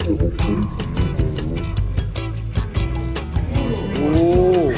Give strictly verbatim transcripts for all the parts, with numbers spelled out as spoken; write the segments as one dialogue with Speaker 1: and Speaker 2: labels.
Speaker 1: 오.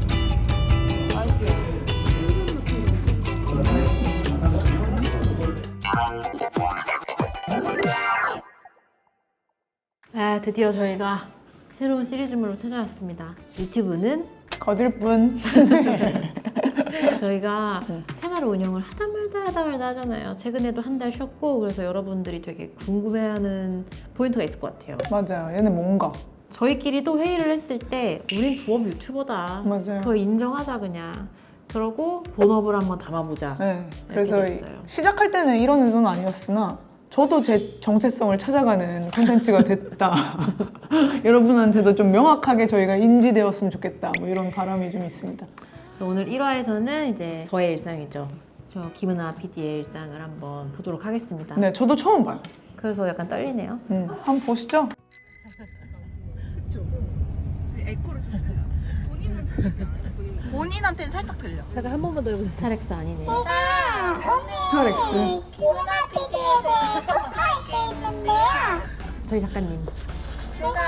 Speaker 2: 아, 드디어 저희가 새로운 시리즈물로 찾아왔습니다. 유튜브는
Speaker 3: 거들 뿐.
Speaker 2: 저희가 채널 운영을 하다 말다 하다 말다 하잖아요. 최근에도 한 달 쉬었고, 그래서 여러분들이 되게 궁금해하는 포인트가 있을 것 같아요.
Speaker 3: 맞아요. 얘는 뭔가.
Speaker 2: 저희끼리도 회의를 했을 때 우린 부업 유튜버다.
Speaker 3: 맞아요.
Speaker 2: 그거 인정하자 그냥. 그러고 본업을 한번 담아보자.
Speaker 3: 네. 그래서
Speaker 2: 됐어요.
Speaker 3: 시작할 때는 이런 의도는 아니었으나 저도 제 정체성을 찾아가는 콘텐츠가 됐다. 여러분한테도 좀 명확하게 저희가 인지되었으면 좋겠다. 뭐 이런 바람이 좀 있습니다.
Speaker 2: 그래서 오늘 일 화에서는 이제 저의 일상이죠. 저 김은아 피디의 일상을 한번 보도록 하겠습니다.
Speaker 3: 네, 저도 처음 봐요.
Speaker 2: 그래서 약간 떨리네요.
Speaker 3: 음, 한번 보시죠.
Speaker 4: 그쵸? 에코를 좀 들려. 본인은 들리지 않아요? 본인. 본인한테는 살짝 들려.
Speaker 2: 제가 한 번만 더 해보세요. 스타렉스 아니네.
Speaker 3: 스타렉스.
Speaker 5: 김은아 피디에 대해 녹화할 게 있는데요.
Speaker 2: 저희 작가님.
Speaker 5: 제가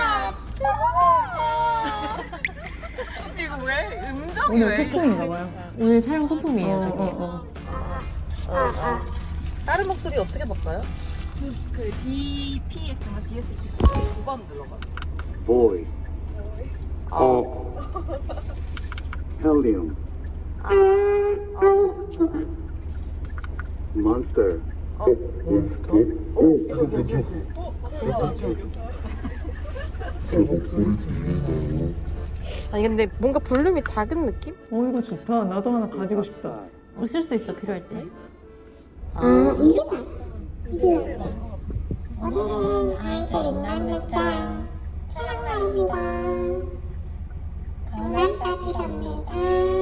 Speaker 4: 근데 이거 왜? 음정이
Speaker 3: 오늘
Speaker 4: 왜?
Speaker 3: 소품인가 봐요.
Speaker 2: 오늘 촬영 소품이에요,
Speaker 3: 어,
Speaker 2: 저기.
Speaker 3: 어, 어.
Speaker 4: 다른 목소리 어떻게 바꿔요? 그, 그 디피에스인가 디에스피 두 번 눌러봐.
Speaker 1: Boy. 어. Helium. Monster.
Speaker 4: 아니 근데 뭔가 볼륨이 작은 느낌?
Speaker 3: 어, 이거 좋다. 나도 하나 가지고 싶다.
Speaker 2: 어, 쓸 수 있어, 필요할 때.
Speaker 5: 아, 이게 이게 오늘은 아이들 인간극장 촬영 날입니다. 강남까지 갑니다.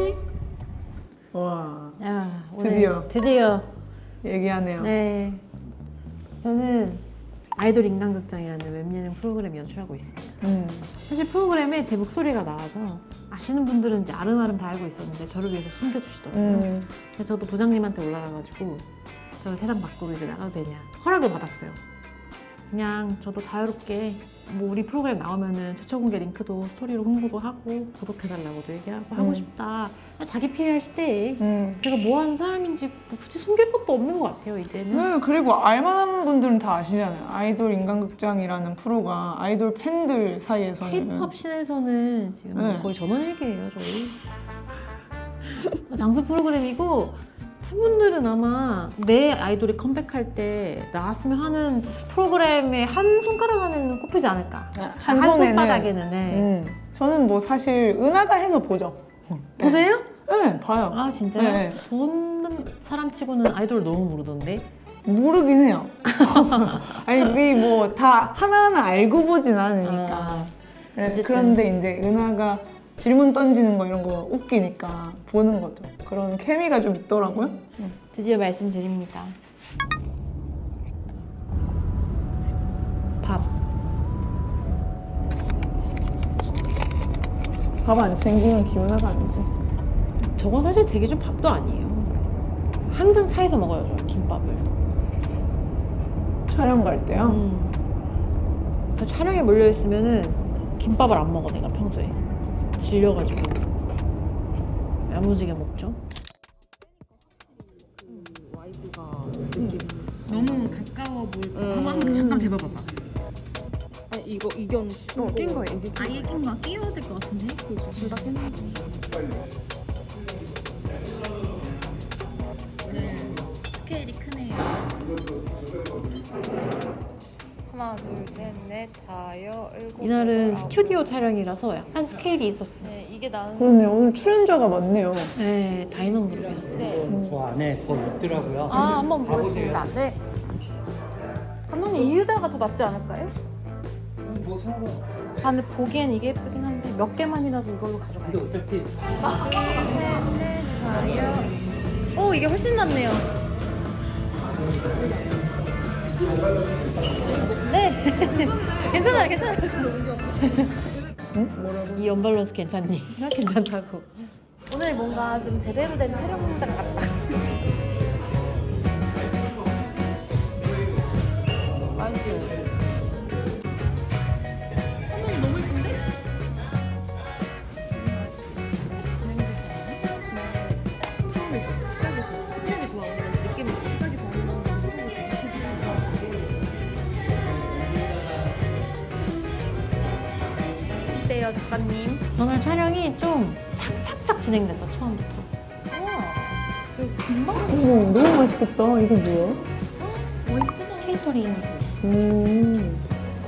Speaker 3: 와,
Speaker 2: 야, 오늘
Speaker 3: 드디어.
Speaker 2: 드디어.
Speaker 3: 얘기하네요.
Speaker 2: 네. 저는 아이돌 인간극장이라는 웹예능 프로그램 연출하고 있습니다.
Speaker 3: 음.
Speaker 2: 사실 프로그램에 제 목소리가 나와서 아시는 분들은 이제 아름아름 다 알고 있었는데 저를 위해서 숨겨주시더라고요.
Speaker 3: 음.
Speaker 2: 그래서 저도 부장님한테 올라가가지고 저 세상 밖으로 이제 나가도 되냐 허락을 받았어요. 그냥 저도 자유롭게 뭐 우리 프로그램 나오면은 최초 공개 링크도 스토리로 홍보도 하고 구독해달라고도 얘기하고 하고
Speaker 3: 음.
Speaker 2: 싶다. 자기 피해할 시대에
Speaker 3: 음.
Speaker 2: 제가 뭐 하는 사람인지 굳이 숨길 것도 없는 것 같아요, 이제는.
Speaker 3: 네, 그리고 알만한 분들은 다 아시잖아요. 아이돌 인간극장이라는 프로가 아이돌 팬들 사이에서는
Speaker 2: K-팝 씬에서는 지금
Speaker 3: 네.
Speaker 2: 거의 전원일기예요, 저희. 장수 프로그램이고 팬분들은 아마 내 아이돌이 컴백할 때 나왔으면 하는 프로그램에 한 손가락 안에는 꼽히지 않을까.
Speaker 3: 한,
Speaker 2: 한
Speaker 3: 손에는
Speaker 2: 손바닥에는. 네.
Speaker 3: 음. 저는 뭐 사실 은하가 해서 보죠.
Speaker 2: 보세요?
Speaker 3: 네, 봐요.
Speaker 2: 아 진짜요?
Speaker 3: 네.
Speaker 2: 보는 사람 치고는 아이돌 너무 모르던데.
Speaker 3: 모르긴 해요. 아니 이게 뭐 다 하나하나 알고 보진 않으니까.
Speaker 2: 아,
Speaker 3: 그래-
Speaker 2: 어쨌든.
Speaker 3: 그런데 이제 은하가 질문 던지는 거 이런 거 웃기니까 보는 거죠. 그런 케미가 좀 있더라고요. 음.
Speaker 2: 드디어 말씀드립니다. 밥.
Speaker 3: 밥 안 챙기면 기운하가 아니지.
Speaker 2: 저건 사실 되게 좀 밥도 아니에요. 항상 차에서 먹어요, 저 김밥을.
Speaker 3: 촬영 갈 때요.
Speaker 2: 음. 저 촬영에 몰려 있으면은 김밥을 안 먹어 내가 평소에 질려가지고 야무지게 먹죠. 너무 가까워 보일 거.
Speaker 4: 음.
Speaker 2: 한번 잠깐 대봐봐봐.
Speaker 4: 아니 이거 이건 어, 낀 거야 이게.
Speaker 2: 아예 낀거 끼워야 될 것 같은데.
Speaker 4: 둘다 낀 거.
Speaker 2: 네. 스케일이 크네요.
Speaker 4: 하나 둘셋넷 다여 일곱.
Speaker 2: 이날은
Speaker 4: 여덟, 아홉.
Speaker 2: 스튜디오 촬영이라서 약간 스케일이 있었어요.
Speaker 4: 네 이게 나는.
Speaker 3: 그러네. 오늘 출연자가 많네요.
Speaker 2: 네, 다이너로 그렸어요.
Speaker 4: 네.
Speaker 6: 저 안에 더 있더라고요.
Speaker 4: 아 한번
Speaker 6: 가보세요.
Speaker 4: 보겠습니다. 네. 감독님 이 의자가 더 낫지 않을까요?
Speaker 6: 뭐 상관.
Speaker 4: 아 근데 보기엔 이게 예쁘긴 한데 몇 개만이라도 이걸로 가져가요.
Speaker 6: 근데 어차피
Speaker 4: 셋넷 다여. 오 이게 훨씬 낫네요. 네. 괜찮아요, 괜찮아요.
Speaker 2: 이 언밸런스 괜찮니? 괜찮다고.
Speaker 4: 오늘 뭔가 좀 제대로 된 촬영장 같다. 맛있어요. 어때요, 작가님?
Speaker 2: 오늘 촬영이 좀 착착착 진행됐어 처음부터.
Speaker 4: 되게 금방
Speaker 3: 어머, 너무 맛있겠다. 이거 뭐야?
Speaker 2: 케이터링.
Speaker 3: 음.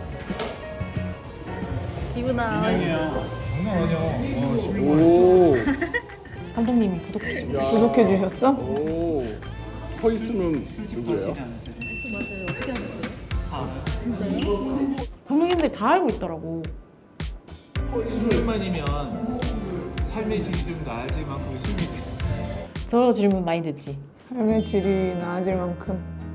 Speaker 4: 이구나.
Speaker 6: 장난 아니야. 어,
Speaker 1: 오.
Speaker 2: 감독님이 구독해줘.
Speaker 1: 야.
Speaker 3: 구독해 주셨어?
Speaker 1: 오. 허이스는 누구예요?
Speaker 4: 맞아요. 어떻게 하셨어요?
Speaker 2: 감독님들이 다 알고 있더라고.
Speaker 6: 술만이면 삶의 질이 좀 나아질 만큼 술이
Speaker 2: 저 질문 많이 듣지.
Speaker 3: 삶의 질이 나아질 만큼.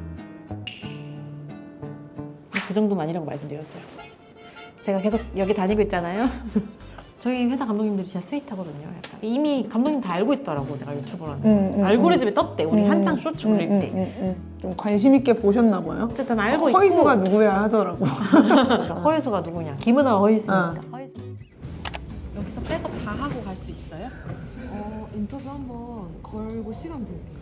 Speaker 2: 그 정도는 아니라고 말씀드렸어요. 제가 계속 여기 다니고 있잖아요. 저희 회사 감독님들이 진짜 스윗하거든요. 약간. 이미 감독님 다 알고 있더라고, 내가 유튜버라는 거.
Speaker 3: 음, 음,
Speaker 2: 알고리즘에 떴대, 우리
Speaker 3: 음,
Speaker 2: 한창 쇼츠 올릴
Speaker 3: 음,
Speaker 2: 때.
Speaker 3: 음, 음, 음. 좀 관심 있게 보셨나 봐요.
Speaker 2: 어쨌든 알고
Speaker 3: 어,
Speaker 2: 있고.
Speaker 3: 허이수가 누구야 하더라고.
Speaker 2: 그러니까 허이수가 누구냐. 김은아 허이수니까.
Speaker 3: 어.
Speaker 2: 허이수.
Speaker 4: 여기서 백업 다 하고 갈 수 있어요?
Speaker 7: 어, 인터뷰 한번 걸고 시간 볼게요.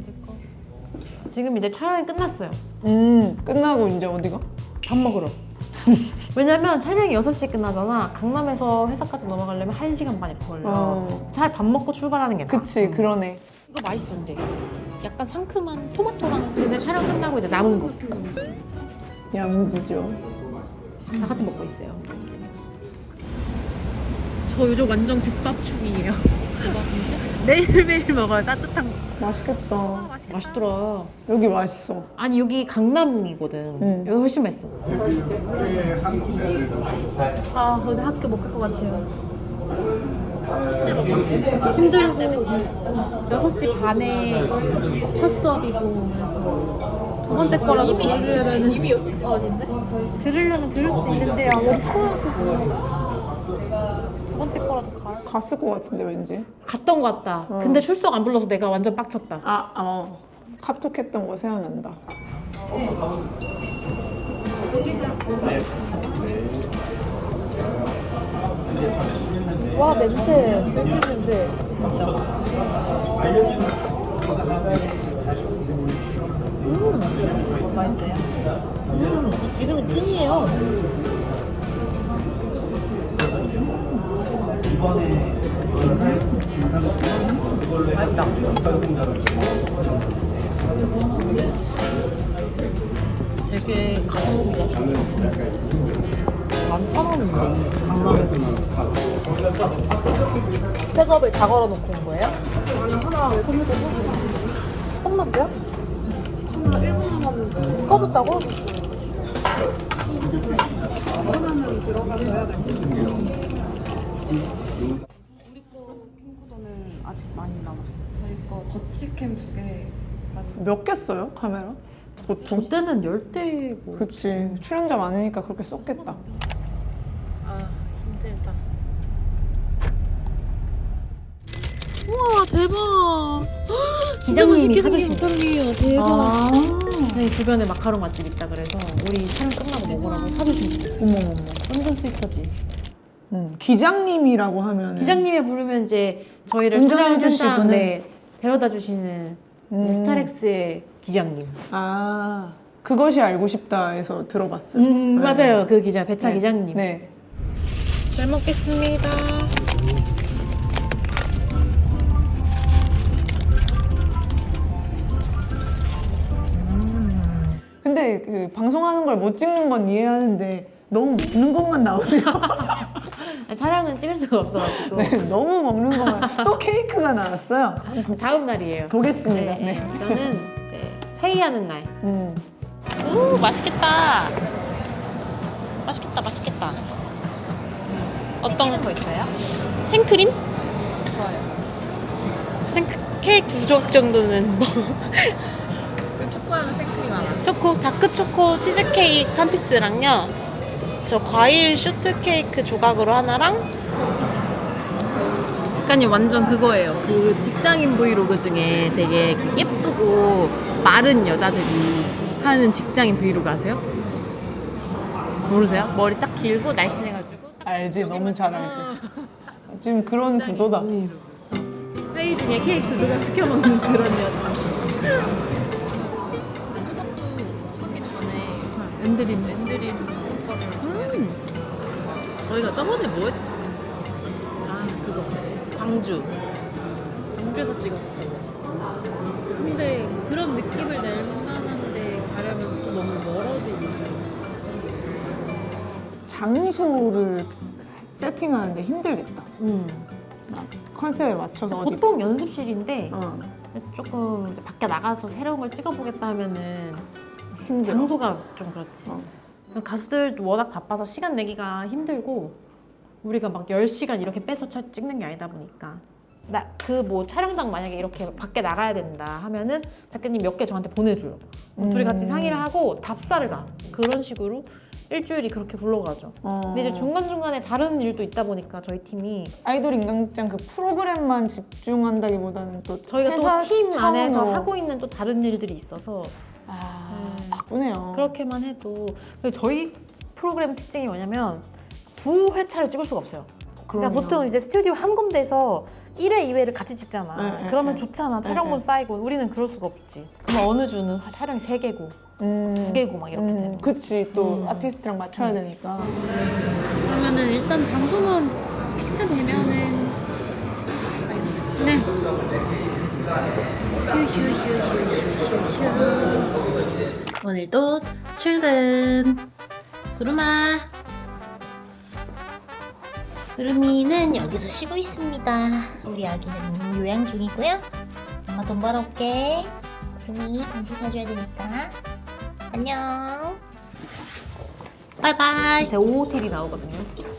Speaker 2: 지금 이제 촬영이 끝났어요.
Speaker 3: 음, 끝나고 이제 어디가?
Speaker 2: 밥 먹으러. 왜냐면 촬영이 여섯 시에 끝나잖아. 강남에서 회사까지 넘어가려면 한 시간 반 이렇게 걸려.
Speaker 3: 어.
Speaker 2: 차라리 밥 먹고 출발하는 게 나아.
Speaker 3: 그치,
Speaker 2: 음.
Speaker 3: 그러네.
Speaker 7: 이거 맛있어, 근데. 약간 상큼한 토마토랑
Speaker 2: 근데 촬영 끝나고 이제 남은 거.
Speaker 7: 같은 건지.
Speaker 3: 야무지죠.
Speaker 2: 다 같이 먹고 있어요. 저 요즘 완전 국밥충이에요.
Speaker 7: 대박, 진짜?
Speaker 2: 매일매일 먹어요, 따뜻한 거.
Speaker 3: 맛있겠다.
Speaker 2: 맛있더라.
Speaker 3: 여기 맛있어.
Speaker 2: 아니, 여기 강남이거든.
Speaker 3: 응.
Speaker 2: 여기 훨씬 맛있어.
Speaker 4: 아, 근데 학교 못 갈 것 같아요. 힘들고 여섯 시 반에 첫 수업이고 그래서 두 번째 거라도 들으려면 입이 들으려면 들을 수 있는데 아, 너무 피곤해서 두 번째 거라도 가야
Speaker 3: 갔을 것 같은데, 왠지.
Speaker 2: 갔던 것 같다.
Speaker 3: 어.
Speaker 2: 근데 출석 안 불러서 내가 완전 빡쳤다.
Speaker 3: 아, 어. 카톡했던 거 생각난다.
Speaker 4: 와 냄새 들기름 냄새 진짜 음 맛있어요? 음이 기름이 찐이에요. 맛있다. 되게 가성비가 만천 원인데 강남에서 백업을 다 걸어놓고 온 거예요? 아니 하나 컵났어요? 하나 일 분 남았는데 꺼졌다고?
Speaker 7: 하나는 들어가서 해야 될 것 같아요. 우리 거 캠코더는 아직 많이 남았어. 저희 거 거치캠 두 개.
Speaker 3: 몇 개 써요, 카메라? 보통?
Speaker 2: 저 때는 열대 뭐.
Speaker 3: 그치. 출연자 많으니까 그렇게 썼겠다.
Speaker 2: 아, 힘들다. 우와, 대박. 진짜 맛있게 생긴
Speaker 7: 마카롱이에요. 대박.
Speaker 3: 아,
Speaker 2: 저희 주변에 마카롱 맛집 있다 그래서 우리 촬영 끝나고 먹으라고 사주신 거.
Speaker 3: 어머머머.
Speaker 2: 완전 스윗하지.
Speaker 3: 음, 기장님이라고 하면.
Speaker 2: 기장님이 부르면 이제 저희를
Speaker 3: 운전해
Speaker 2: 촬영 현장
Speaker 3: 주시고는?
Speaker 2: 네, 데려다 주시는
Speaker 3: 음.
Speaker 2: 스타렉스의 기장님.
Speaker 3: 아, 그것이 알고 싶다에서 들어봤어요.
Speaker 2: 음,
Speaker 3: 네.
Speaker 2: 맞아요. 그 기자, 배차
Speaker 3: 네.
Speaker 2: 기장님.
Speaker 3: 네.
Speaker 2: 잘 먹겠습니다.
Speaker 3: 근데 그 방송하는 걸 못 찍는 건 이해하는데 너무 먹는 것만 나오네요.
Speaker 2: 촬영은 찍을 수가 없어가지고.
Speaker 3: 네, 너무 먹는 것만. 또 케이크가 나왔어요.
Speaker 2: 다음 날이에요.
Speaker 3: 보겠습니다.
Speaker 2: 네,
Speaker 3: 네.
Speaker 2: 이거는 이제 회의하는 날.
Speaker 3: 음.
Speaker 7: 우 맛있겠다. 맛있겠다, 맛있겠다. 어떤
Speaker 4: 거 있어요?
Speaker 7: 생크림?
Speaker 4: 좋아요.
Speaker 7: 생 케이크 두 쪽 정도는 뭐
Speaker 4: 초코하는 생크림 하나.
Speaker 7: 초코 다크 초코 치즈 케이크 한 피스랑요. 저 과일 쇼트 케이크 조각으로 하나랑
Speaker 4: 작가님 완전 그거예요. 그 직장인 브이로그 중에 되게 예쁘고 마른 여자들이 하는 직장인 브이로그 아세요? 모르세요? 머리 딱 길고 날씬해가지고 딱
Speaker 3: 알지, 너무
Speaker 4: 여기만
Speaker 3: 잘 알지. 지금 그런 구도다.
Speaker 4: 회의 중에 케이크 조각 시켜 먹는 그런 여자.
Speaker 7: 토마토 하기 전에
Speaker 4: 엔드림.
Speaker 7: 엔드림 볶음가루
Speaker 4: 음. 저희가 저번에 뭐 했,
Speaker 7: 광주. 광주에서 찍었어요.
Speaker 4: 근데 그런 느낌을 낼 만한데 가려면 또 너무 멀어지는.
Speaker 3: 장소를 세팅하는데 힘들겠다.
Speaker 2: 음.
Speaker 3: 막 컨셉에 맞춰서 어디.
Speaker 2: 보통 연습실인데
Speaker 3: 어,
Speaker 2: 조금 이제 밖에 나가서 새로운 걸 찍어보겠다 하면은
Speaker 3: 힘들어.
Speaker 2: 장소가 좀 그렇지.
Speaker 3: 어.
Speaker 2: 가수들도 워낙 바빠서 시간 내기가 힘들고 우리가 막 열 시간 이렇게 빼서 차- 찍는 게 아니다 보니까 나 그 뭐 촬영장 만약에 이렇게 밖에 나가야 된다 하면은 작가님 몇 개 저한테 보내줘요. 그럼 둘이 같이
Speaker 3: 음.
Speaker 2: 상의를 하고 답사를 가. 그런 식으로 일주일이 그렇게 굴러가죠.
Speaker 3: 어.
Speaker 2: 근데 이제 중간중간에 다른 일도 있다 보니까 저희 팀이
Speaker 3: 아이돌 인강극장 그 프로그램만 집중한다기보다는 또
Speaker 2: 저희가
Speaker 3: 회사
Speaker 2: 또 팀 안에서
Speaker 3: 차원으로.
Speaker 2: 하고 있는 또 다른 일들이 있어서
Speaker 3: 아,
Speaker 2: 음.
Speaker 3: 바쁘네요.
Speaker 2: 그렇게만 해도 근데 저희 프로그램 특징이 뭐냐면 두 회차를 찍을 수가 없어요. 그러니까
Speaker 3: 그럼요.
Speaker 2: 보통 이제 스튜디오 한 군데서 일 회, 이 회를 같이 찍잖아.
Speaker 3: 네, 네,
Speaker 2: 그러면
Speaker 3: 네.
Speaker 2: 좋잖아.
Speaker 3: 네,
Speaker 2: 촬영분
Speaker 3: 네.
Speaker 2: 쌓이고 우리는 그럴 수가 없지. 그럼 어느 주는 촬영이 세 개고
Speaker 3: 음.
Speaker 2: 두 개고 막 이렇게 되는
Speaker 3: 음,
Speaker 2: 거야.
Speaker 3: 그치 또
Speaker 2: 음.
Speaker 3: 아티스트랑 맞춰야
Speaker 2: 음.
Speaker 3: 되니까.
Speaker 4: 그러면은 일단 장소만 픽스되면은 네.
Speaker 7: 오늘도 출근. 구름아. 구름이는 여기서 쉬고 있습니다. 우리 아기는 요양 중이고요. 엄마 돈 벌어올게. 구름이 간식 사줘야 되니까. 안녕. 바이바이.
Speaker 2: 제 오오티비 나오거든요.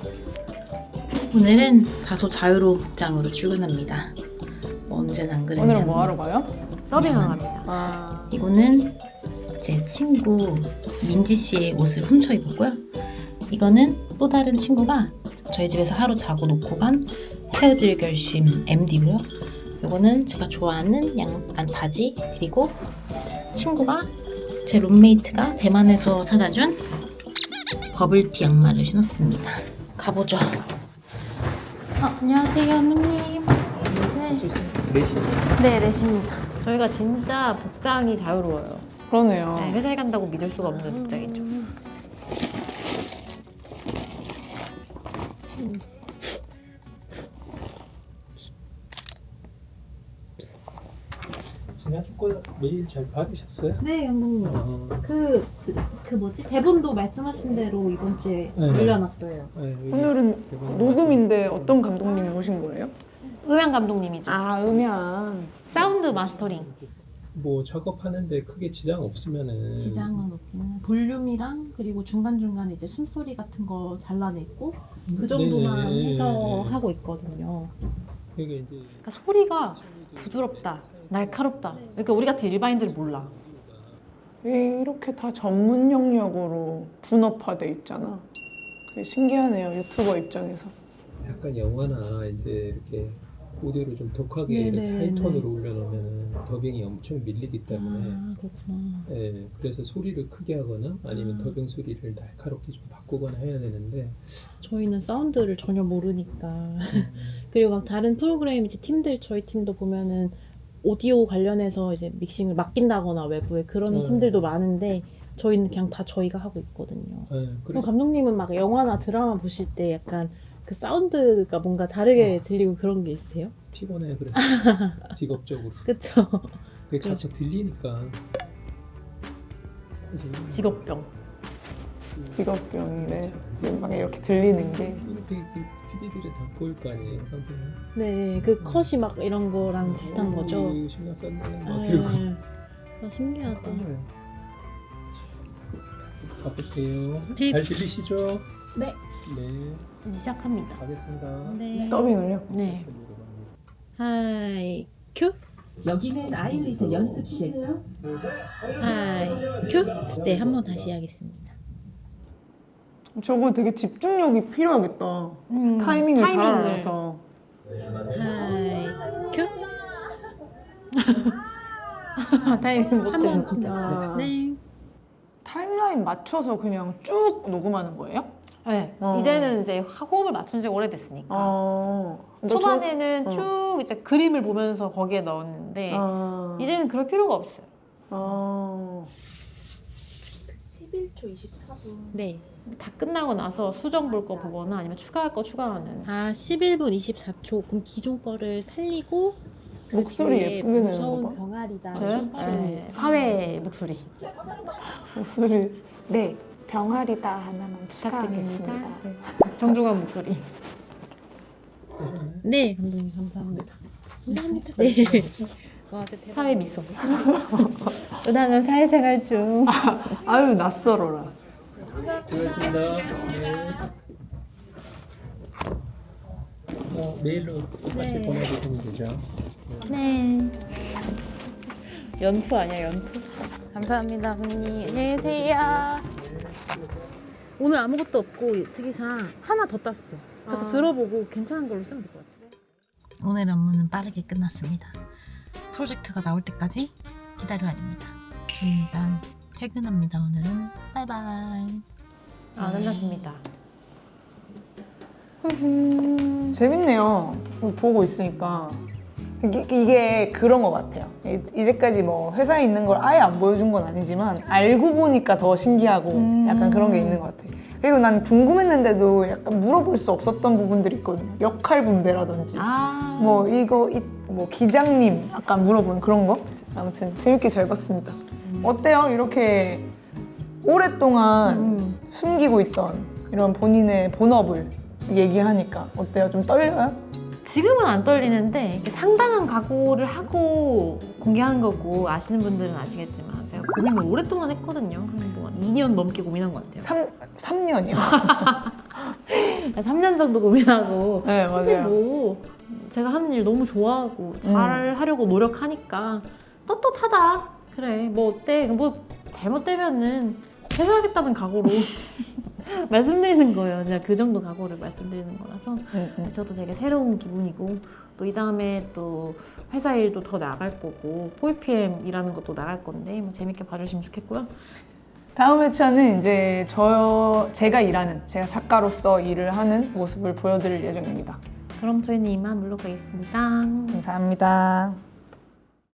Speaker 7: 오늘은 다소 자유로운 복장으로 출근합니다. 뭐 언제는 안 그랬냐면
Speaker 3: 오늘은 뭐 하러 가요?
Speaker 2: 서빙을 합니다.
Speaker 3: 아,
Speaker 7: 이거는 제 친구 민지 씨의 옷을 훔쳐 입었고요. 이거는 또 다른 친구가 저희 집에서 하루 자고 놓고 간 헤어질 결심 엠디고요. 이거는 제가 좋아하는 양반 바지, 그리고 친구가 제 룸메이트가 대만에서 사다 준 버블티 양말을 신었습니다. 가보죠. 어, 안녕하세요, 어머님. 네, 네, 넷입니다.
Speaker 2: 저희가 진짜 복장이 자유로워요.
Speaker 3: 그러네요.
Speaker 2: 네, 회사에 간다고 믿을 수가 없는 복장이죠.
Speaker 6: 지난주 거 메일 잘 받으셨어요?
Speaker 4: 네, 감독님.
Speaker 6: 어,
Speaker 4: 그, 그, 그 뭐지? 대본도 말씀하신 대로 이번 주에
Speaker 6: 네.
Speaker 4: 올려놨어요.
Speaker 6: 네, 여기
Speaker 3: 오늘은
Speaker 6: 대본
Speaker 3: 녹음인데 어떤 감독님이 오신 거예요?
Speaker 2: 음향 감독님이죠.
Speaker 3: 아, 음향.
Speaker 2: 사운드 마스터링.
Speaker 6: 뭐 작업하는데 크게 지장 없으면은
Speaker 4: 지장은 없기는 볼륨이랑 그리고 중간중간에 이제 숨소리 같은 거 잘라냈고 그 정도만
Speaker 6: 네.
Speaker 4: 해서 하고 있거든요.
Speaker 6: 이게 이제
Speaker 2: 그러니까 소리가 부드럽다, 날카롭다. 그러니까 우리 같은 일반인들이 몰라.
Speaker 3: 왜 이렇게 다 전문 영역으로 분업화돼 있잖아. 그게 신기하네요, 유튜버 입장에서.
Speaker 6: 약간 영화나 이제 이렇게 오디오를 좀 독하게 이렇게
Speaker 4: 네네네네.
Speaker 6: 하이톤으로 올려놓으면 더빙이 엄청 밀리기 때문에
Speaker 4: 아, 그렇구나.
Speaker 6: 예, 그래서 소리를 크게 하거나 아니면
Speaker 4: 아.
Speaker 6: 더빙 소리를 날카롭게 좀 바꾸거나 해야 되는데
Speaker 4: 저희는 사운드를 전혀 모르니까 그리고 막 다른 프로그램 이제 팀들 저희 팀도 보면은 오디오 관련해서 이제 믹싱을 맡긴다거나 외부에 그런
Speaker 6: 음.
Speaker 4: 팀들도 많은데 저희는 그냥 다 저희가 하고 있거든요.
Speaker 6: 예,
Speaker 4: 그럼
Speaker 6: 그리고
Speaker 4: 감독님은 막 영화나 드라마 보실 때 약간 그 사운드가 뭔가 다르게
Speaker 6: 어.
Speaker 4: 들리고 그런 게 있으세요?
Speaker 6: 피곤해 그래서 직업적으로
Speaker 4: 그쵸?
Speaker 6: 그게 자꾸 들리니까 그래서
Speaker 2: 직업병.
Speaker 3: 직업병이래. 막 이렇게 들리는 게.
Speaker 6: 이렇게 피디들이 다 보일 거 아니에요 상태는.
Speaker 4: 네, 그 컷이 막 이런 거랑 비슷한 거죠?
Speaker 6: 어, 신경 썼네 막
Speaker 4: 아,
Speaker 6: 이러고
Speaker 4: 아, 신기하다.
Speaker 6: 가보세요.
Speaker 4: 네.
Speaker 6: 잘 들리시죠?
Speaker 4: 네.
Speaker 6: 네,
Speaker 2: 이제 시작합니다.
Speaker 6: 가겠습니다.
Speaker 4: 네.
Speaker 3: 더빙을요?
Speaker 2: 네.
Speaker 4: 하이 큐.
Speaker 8: 여기는 아일릿의 연습실.
Speaker 4: 하이 큐. 네, 한 번 다시 하겠습니다.
Speaker 3: 저거 되게 집중력이 필요하겠다.
Speaker 2: 음,
Speaker 3: 타이밍을 잘
Speaker 2: 타이밍을.
Speaker 3: 알아서.
Speaker 4: 하이 큐.
Speaker 2: 타이밍 못
Speaker 4: 한 번
Speaker 2: 되는
Speaker 4: 더.
Speaker 3: 아.
Speaker 4: 네.
Speaker 3: 타임라인 맞춰서 그냥 쭉 녹음하는 거예요?
Speaker 2: 네.
Speaker 3: 어.
Speaker 2: 이제는 이제 호흡을 맞춘 지 오래됐으니까.
Speaker 3: 어. 근데
Speaker 2: 초반에는
Speaker 3: 저-
Speaker 2: 쭉 이제 그림을 보면서 거기에 넣었는데
Speaker 3: 아.
Speaker 2: 이제는 그럴 필요가 없어요.
Speaker 3: 아.
Speaker 4: 십일 초 이십사 분. 네.
Speaker 2: 다 끝나고 나서 수정 볼 거 보거나 아니면 추가할 거 추가하는.
Speaker 4: 아 십일 분 이십사 초. 그럼 기존 거를 살리고 그
Speaker 3: 목소리
Speaker 4: 뒤에
Speaker 3: 예쁘게 내는
Speaker 4: 무서운
Speaker 3: 거 봐.
Speaker 4: 병아리다.
Speaker 2: 저요? 네, 사회 목소리
Speaker 3: 목소리. 네, 병아리다 하나만
Speaker 2: 부탁드립니다.
Speaker 3: 추가하겠습니다.
Speaker 2: 네. 정중한 목소리.
Speaker 4: 네, 감독님 감사합니다. 감사합니다. 네. 와, 진짜 대박.
Speaker 2: 사회 미소. 은하는 사회생활 중.
Speaker 3: 아유, 낯설어라.
Speaker 6: 수고하셨습니다. 네. 어, 메일로 다시
Speaker 4: 네.
Speaker 6: 보내주시면 되죠.
Speaker 2: 네. 연프 아니야 연프?
Speaker 4: 감사합니다, 언니. 안녕히 계세요. 오늘 아무것도 없고 특이상 하나 더 땄어. 그래서
Speaker 2: 아.
Speaker 4: 들어보고 괜찮은 걸로 쓰면 될 것 같아.
Speaker 7: 오늘 업무는 빠르게 끝났습니다. 프로젝트가 나올 때까지 기다려야 됩니다. 저는 일단 퇴근합니다. 오늘은 바이바이.
Speaker 2: 아 끝났습니다.
Speaker 3: 재밌네요. 보고 있으니까. 이게, 이게 그런 것 같아요. 이- 이제까지 뭐 회사에 있는 걸 아예 안 보여준 건 아니지만 알고 보니까 더 신기하고
Speaker 2: 음.
Speaker 3: 약간 그런 게 있는 것 같아요. 그리고 난 궁금했는데도 약간 물어볼 수 없었던 부분들이 있거든요. 역할 분배라든지
Speaker 2: 아.
Speaker 3: 뭐 이거 이, 뭐 기장님 아까 물어본 그런 거. 아무튼 재밌게 잘 봤습니다. 어때요? 이렇게 오랫동안
Speaker 2: 음.
Speaker 3: 숨기고 있던 이런 본인의 본업을 얘기하니까 어때요? 좀 떨려요?
Speaker 2: 지금은 안 떨리는데 이렇게 상당한 각오를 하고 공개하는 거고 아시는 분들은 아시겠지만 제가 고민을 오랫동안 했거든요. 뭐 이 년 넘게 고민한 것 같아요.
Speaker 3: 삼, 삼 년이요.
Speaker 2: 삼 년 정도 고민하고
Speaker 3: 네,
Speaker 2: 근데
Speaker 3: 맞아요.
Speaker 2: 뭐 제가 하는 일 너무 좋아하고 잘 하려고 노력하니까 떳떳하다. 그래 뭐 어때? 뭐 잘못되면은 해소하겠다는 각오로 말씀드리는 거예요. 제가 그 정도 각오를 말씀드리는 거라서
Speaker 3: 음, 음.
Speaker 2: 저도 되게 새로운 기분이고 또 이 다음에 또 회사 일도 더 나갈 거고 포이피엠이라는 것도 나갈 건데 뭐 재밌게 봐주시면 좋겠고요.
Speaker 3: 다음 회차는 이제 저 제가 일하는 제가 작가로서 일을 하는 모습을 보여드릴 예정입니다.
Speaker 2: 그럼 저희는 이만 물러가겠습니다.
Speaker 3: 감사합니다.